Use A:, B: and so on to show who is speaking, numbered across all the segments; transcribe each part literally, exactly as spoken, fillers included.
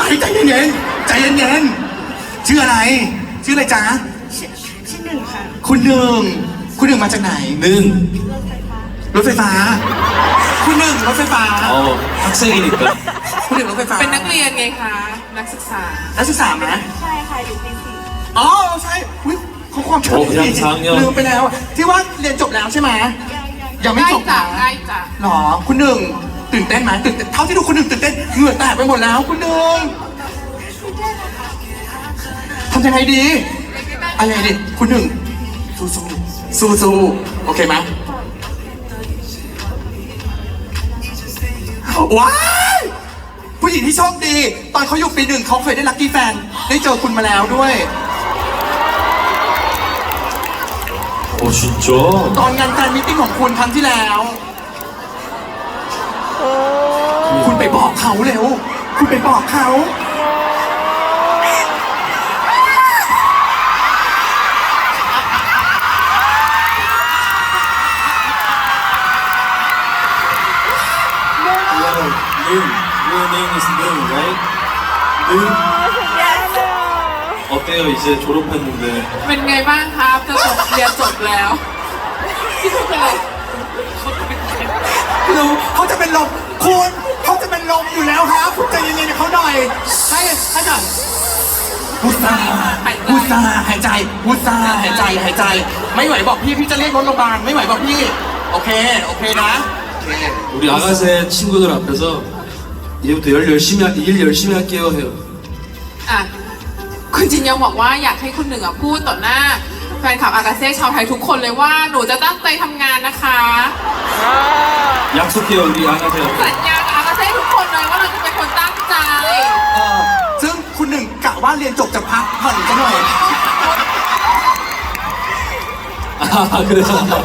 A: ใจเย็นๆใจเย็นๆชื่ออะไรชื่ออะไรจ๊ะ
B: ชื่อหนึ่งค่ะ
A: คุณหนึ่งคุณหนึ่งมาจากไหน
C: 는
A: รถไฟฟ้า คุณหนึ่งรถไฟฟ้า
C: 어, 학생이니까
A: คุณหนึ่งรถไฟฟ้า
D: เป็นนักเรียนไงคะ นักศึกษา
A: นักศึกษาไหม
B: ใช่ค่ะอยู่ปีสี่
A: อ๋อใช่อุ๊ยเขาความจำ
C: โอ้
A: ดี
C: ยังช้างยัง
A: ลืมไปแล้วที่ว่าเรียนจบแล้วใช่ไหม
B: ยังยัง
A: ยังไม่
D: ใกล้
A: จบ
D: จ้ะ
A: นะ
D: ใกล้จ้ะ
A: หรอคุณหนึ่งตื่นเต้นไหมตื่นเต้นเท่าที่ดูคุณหนึ่งตื่นเต้นเหงื่อแตกไปหมดแล้วคุณหนึ่งทำยังไงดีเอายังไงดีคุณหนึ่งสู้สู้สู้สู้ๆโอเคไหมว้ายผู้หญิงที่โชคดี ตอนเขาอยู่ปีหนึ่งเขาเคยได้ลัคกี้แฟนได้เจอคุณมาแล้วด้วย
C: 어 진짜?
A: ตอนงานแฟนมิตติ้งของคุณครั้งที่แล้ว คุณไปบอกเขาเร็ว คุณไปบอกเขา
C: 는, your name is 는, right? 는 어때요? 이제 졸업했는데
D: เป็นไงบ้างครับจะจบเรียนจบแล้วพี่ทุกคนเลย
A: รู้เขาจะเป็นลมคุณเขาจะเป็นลมอยู่แล้วครับคุณใจเย็นๆกับเขาหน่อย ให้ให้หน่อยพุทธาพุทธาหายใจพุทธาหายใจหายใจ ไม่ไหวบอกพี่พี่จะเรียกรถโรงพยาบาลไม่ไหวบอกพี่ โอเค โอเคนะโอเค
C: 우리 아가새 친구들 앞에서 이제부터 일 열심히 하- 일 열심히 할게요 해요.
D: อ่ะคุณจินยองบอกว่าอยากให้คุณหนึ่งอ่ะพูดต่อหน้าแฟนคลับอากาเซ่ชาวไทยทุกคนเลยว่าหนูจะตั้งใจทำงานนะคะ
C: 약속해요 우리 아가새
D: สั
C: 앞에.
D: ญญากับอากาเซ่ทุกคนเลยว่าเราจะเป็นคนตั้งใจ
A: เออซึ่งคุณหนึ่งกะว่าเรียนจบจะพักผ่อนกันหน่อย
C: 아 그래.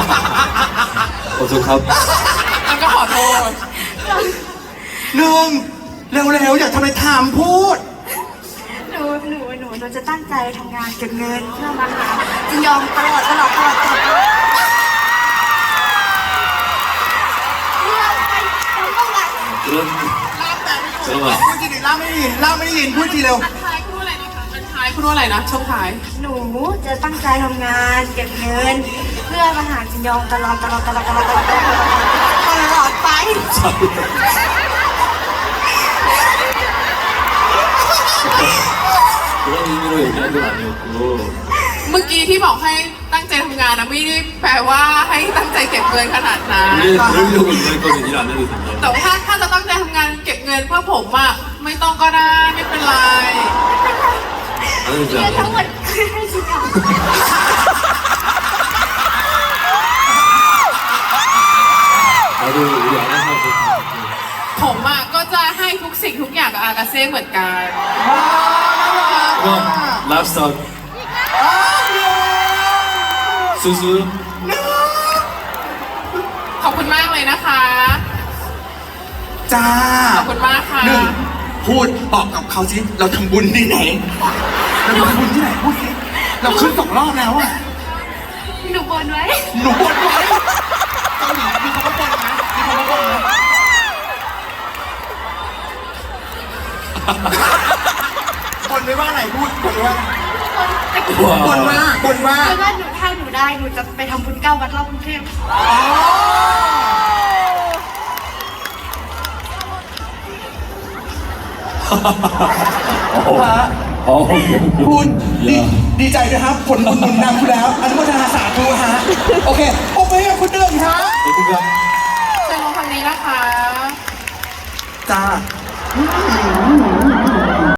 C: 어서 가.
D: มันก็ขอโทษ
A: หนึ่งเร็วๆอย่าทำไมถามพูด
B: หนูหนูหนูหนูจะตั้งใจทำงานเก็บเงินเพื่อมาหาจะยอมตลอดตลอดตลอดตลอดเพื่อไปทำต้องการ
C: 그런 잠깐만.
A: พูดทีเดียวล่าไม่ได้ยินล่าไม่ได้ยินพูดทีเร็ว
D: อันท้ายพูดอะไรนะคะอันท้ายพูดว่าอะไรนะช่วงท้าย
B: หนูจะตั้งใจทำงานเก็บเงิน เพื่อมาหาจินยองตลอดตลอดตลอดตลอดตลอดตลอดตลอดไป
C: 그런 의미로 얘기한 건 아니었고
D: เมื่อกี้ที่บอกให้ตั้งใจทำงานนะไม่ได้แปลว่าให้ตั้งใจเก็บเงินขนาดนั้น
C: 원래 그러려고 일했거든 일 안 해도 된다.
D: แต่ว่าถ้าถ้าจะตั้งใจทำงานเก็บเงินเพื่อผมอะไม่ต้องก็ได้ไม่เป็นไร
C: 안 해도
B: เงินทั้ง
C: 되잖아.
B: หมดให้จินยอง
C: 나도 우리 아가새한테
D: ผมอะก็จะให้ทุกสิ่งทุกอย่างกับอากาเซ่เหมือนกัน
C: 그럼 랍스터 수수
D: ขอบคุณมากเลยนะคะ
A: จ้า
D: ขอบคุณมากค่ะ
A: หนึ่งพูดบอกกับเขาสิเราทำบุญที่ไหน เราทำบุญที่ไหนพูดสิเราขึ้นสองรอบแล้วอะ
B: หนูบนไว้
A: หนูบนไว้เกาหลีมีคำว่าบนไหมมีคำว่าบนไหมบนไว้ว่าอะไรพูดบนไว้ว่าบนว่าบนว่า
B: แล้วก็หนูถ้าหนูได้หนูจะไปทำบุญเก้าวัดรอบกรุงเทพ
A: อ๋อฮะ
C: 어,
A: คุณดีดีใจด้วยครับผลบุญหนุนนำคุณแล้วอนุโมทนาสาธุฮะโอเคโอเคคุณเดิมฮะ
C: 누군가
D: เชิญลงทางนี้นะคะ
A: จ้า